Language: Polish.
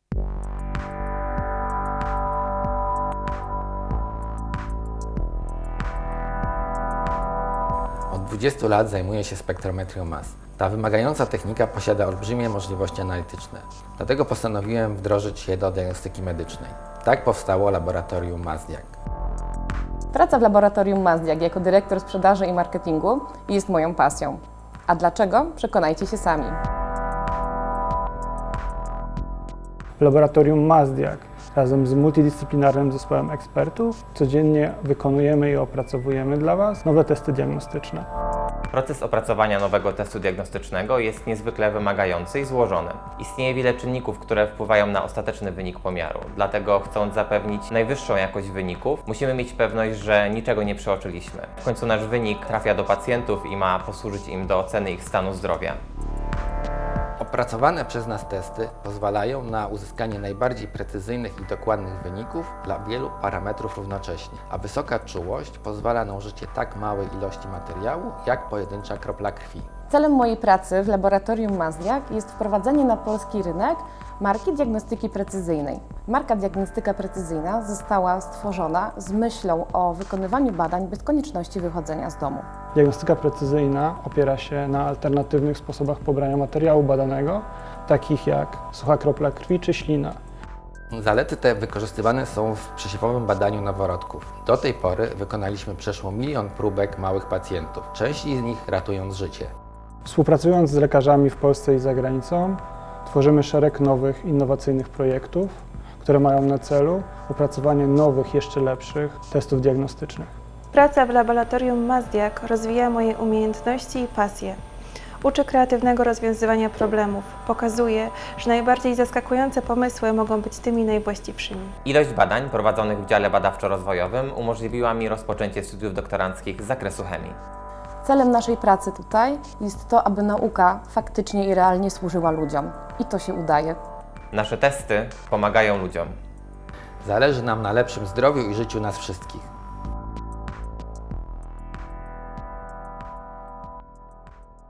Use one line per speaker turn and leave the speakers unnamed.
Od 20 lat zajmuję się spektrometrią mas. Ta wymagająca technika posiada olbrzymie możliwości analityczne. Dlatego postanowiłem wdrożyć je do diagnostyki medycznej. Tak powstało laboratorium Masdiag.
Praca w laboratorium Masdiag jako dyrektor sprzedaży i marketingu jest moją pasją. A dlaczego? Przekonajcie się sami.
W laboratorium Masdiag razem z multidyscyplinarnym zespołem ekspertów codziennie wykonujemy i opracowujemy dla Was nowe testy diagnostyczne.
Proces opracowania nowego testu diagnostycznego jest niezwykle wymagający i złożony. Istnieje wiele czynników, które wpływają na ostateczny wynik pomiaru. Dlatego, chcąc zapewnić najwyższą jakość wyników, musimy mieć pewność, że niczego nie przeoczyliśmy. W końcu nasz wynik trafia do pacjentów i ma posłużyć im do oceny ich stanu zdrowia.
Opracowane przez nas testy pozwalają na uzyskanie najbardziej precyzyjnych i dokładnych wyników dla wielu parametrów równocześnie, a wysoka czułość pozwala na użycie tak małej ilości materiału, jak pojedyncza kropla krwi.
Celem mojej pracy w laboratorium Masdiag jest wprowadzenie na polski rynek marki diagnostyki precyzyjnej. Marka diagnostyka precyzyjna została stworzona z myślą o wykonywaniu badań bez konieczności wychodzenia z domu.
Diagnostyka precyzyjna opiera się na alternatywnych sposobach pobrania materiału badanego, takich jak sucha kropla krwi czy ślina.
Zalety te wykorzystywane są w przesiewowym badaniu noworodków. Do tej pory wykonaliśmy przeszło 1 000 000 próbek małych pacjentów, części z nich ratując życie.
Współpracując z lekarzami w Polsce i za granicą, tworzymy szereg nowych, innowacyjnych projektów, które mają na celu opracowanie nowych, jeszcze lepszych testów diagnostycznych.
Praca w laboratorium Masdiag rozwija moje umiejętności i pasje. Uczy kreatywnego rozwiązywania problemów. Pokazuje, że najbardziej zaskakujące pomysły mogą być tymi najwłaściwszymi.
Ilość badań prowadzonych w dziale badawczo-rozwojowym umożliwiła mi rozpoczęcie studiów doktoranckich z zakresu chemii.
Celem naszej pracy tutaj jest to, aby nauka faktycznie i realnie służyła ludziom. I to się udaje.
Nasze testy pomagają ludziom.
Zależy nam na lepszym zdrowiu i życiu nas wszystkich.